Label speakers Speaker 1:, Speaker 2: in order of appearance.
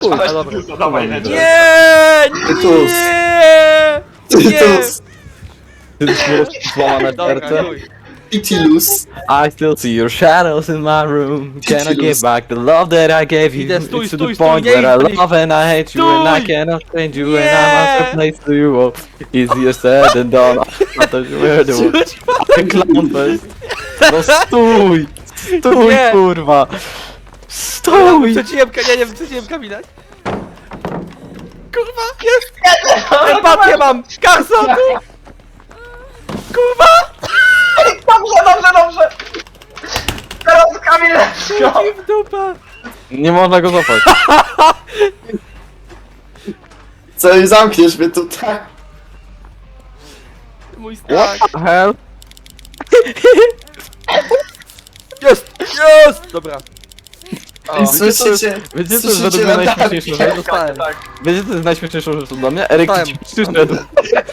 Speaker 1: Dawaj,
Speaker 2: dobra.
Speaker 1: Tytusa, dawaj, lecisz.
Speaker 2: Nie!
Speaker 3: Tytus.
Speaker 2: Nie!
Speaker 3: Tytus.
Speaker 2: Dobra,
Speaker 4: serce.
Speaker 2: chuj.
Speaker 3: Pitilus.
Speaker 4: I still see your shadows in my room. Can I give
Speaker 3: Ridiculous.
Speaker 4: back the love that I gave you?
Speaker 2: Idę, stój,
Speaker 4: It's to
Speaker 2: stój,
Speaker 4: the
Speaker 2: stój,
Speaker 4: point
Speaker 2: nie
Speaker 4: where I
Speaker 2: idź,
Speaker 4: love and I hate you and I
Speaker 2: stój!
Speaker 4: cannot change you
Speaker 2: Nie!
Speaker 4: and I must replace to you. Oh, easier said than done. I thought you were the one. Ten clown face. No stój! Stój,
Speaker 2: Nie!
Speaker 4: kurwa! Stój!
Speaker 2: Nie wiem, przeciłem Kamila. Kurwa, jest! Empatię mam! Carson, tu! Kurwa!
Speaker 1: Dobrze! Teraz Kamil leci!
Speaker 2: I w dupę!
Speaker 4: Nie można go złapać.
Speaker 3: Co, i zamkniesz mnie tutaj?
Speaker 2: Mój strach.
Speaker 4: What the hell?
Speaker 2: Jest! Jest! Dobra.
Speaker 3: I słyszycie?
Speaker 4: Wiecie co jest
Speaker 3: Słyszycie
Speaker 4: według mnie
Speaker 3: latarki?
Speaker 4: najśmieszniejszą rzecz?
Speaker 2: Dostałem.
Speaker 4: Wiecie co jest najśmieszniejszą rzeczą dla mnie? Eryk
Speaker 2: Dostałem.
Speaker 4: ci przyszedł.